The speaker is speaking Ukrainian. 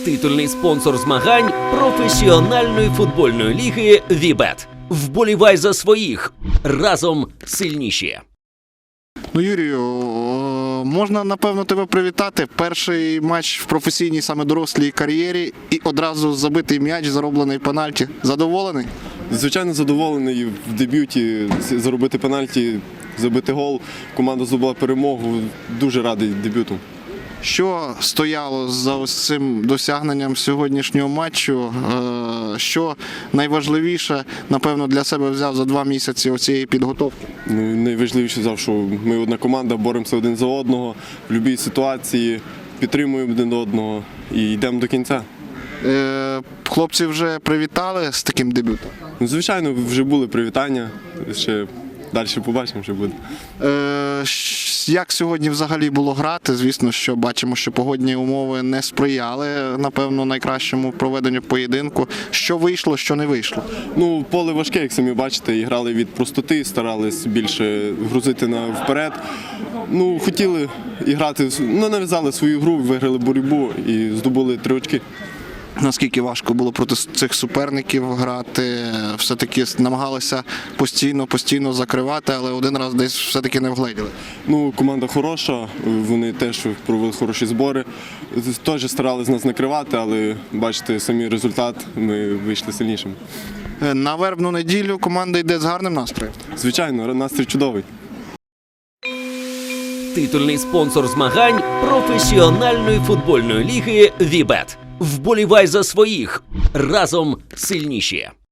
Титульний спонсор змагань професіональної футбольної ліги «Вібет». Вболівай за своїх. Разом сильніші. Ну, Юрію, можна, напевно, тебе привітати. Перший матч в професійній, саме дорослій кар'єрі і одразу забитий м'яч, зароблений пенальті. Задоволений? Звичайно, задоволений в дебюті заробити пенальті, забити гол. Команда здобула перемогу. Дуже радий дебюту. Що стояло за ось цим досягненням сьогоднішнього матчу? Що найважливіше, напевно, для себе взяв за 2 місяці оцієї підготовки? Найважливіше взяв, що ми одна команда, боремося один за одного, в будь-якій ситуації, підтримуємо один одного і йдемо до кінця. Хлопці вже привітали з таким дебютом? Звичайно, вже були привітання, ще далі побачимо, що буде. Як сьогодні взагалі було грати? Звісно, що бачимо, що погодні умови не сприяли, напевно, найкращому проведенню поєдинку. Що вийшло, що не вийшло? Поле важке, як самі бачите, і грали від простоти, старались більше грузити вперед. Хотіли і грати, нав'язали свою гру, виграли боротьбу і здобули 3 очки. Наскільки важко було проти цих суперників грати? Все-таки намагалися постійно закривати, але один раз десь все-таки не вгледіли. Команда хороша, вони теж провели хороші збори. Теж старались нас накривати, але бачите, самі результат, ми вийшли сильнішими. На вербну неділю команда йде з гарним настроєм? Звичайно, настрій чудовий. Титульний спонсор змагань професіональної футбольної ліги «Вібет». Вболівай за своїх. Разом сильніші.